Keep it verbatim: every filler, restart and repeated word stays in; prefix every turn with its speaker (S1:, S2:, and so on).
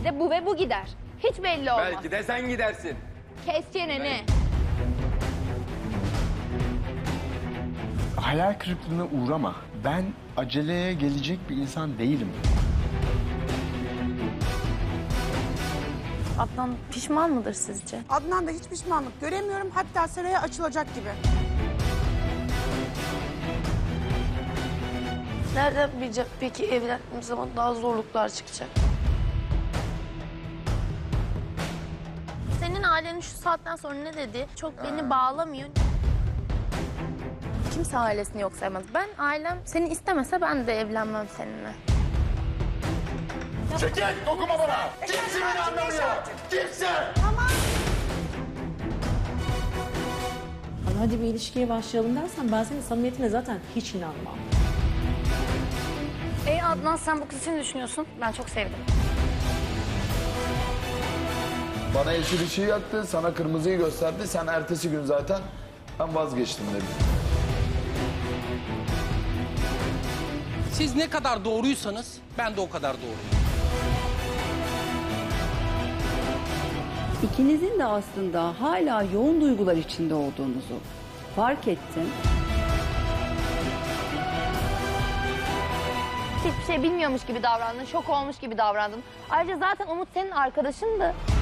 S1: de bu ve bu gider. Hiç belli olmaz.
S2: Belki de sen gidersin.
S1: Kes çeneni.
S3: Hayal kırıklığına uğrama. Ben aceleye gelecek bir insan değilim.
S4: Adnan pişman mıdır sizce?
S5: Adnan'da hiç pişmanlık göremiyorum. Hatta Seray'a açılacak gibi.
S4: Nereden bileceğim peki evlendiğimiz zaman daha zorluklar çıkacak? Senin ailenin şu saatten sonra ne dedi? Çok beni bağlamıyor. Kimse ailesini yok saymaz. Ben ailem seni istemese ben de evlenmem seninle.
S3: Çekil! Dokunma bana! Kimse beni anlamıyor! Kimse!
S6: Ama hadi bir ilişkiye başlayalım dersen ben senin samimiyetine zaten hiç inanmam.
S7: Ey Adnan, sen bu kız için ne düşünüyorsun? Ben çok sevdim.
S8: Bana yeşil ışığı yaktı, sana kırmızıyı gösterdi. Sen ertesi gün zaten ben vazgeçtim dedi.
S9: Siz ne kadar doğruysanız ben de o kadar doğruyum.
S10: İkinizin de aslında hala yoğun duygular içinde olduğunuzu fark ettim.
S1: Hiçbir şey bilmiyormuş gibi davrandın, şok olmuş gibi davrandın. Ayrıca zaten Umut senin arkadaşındı.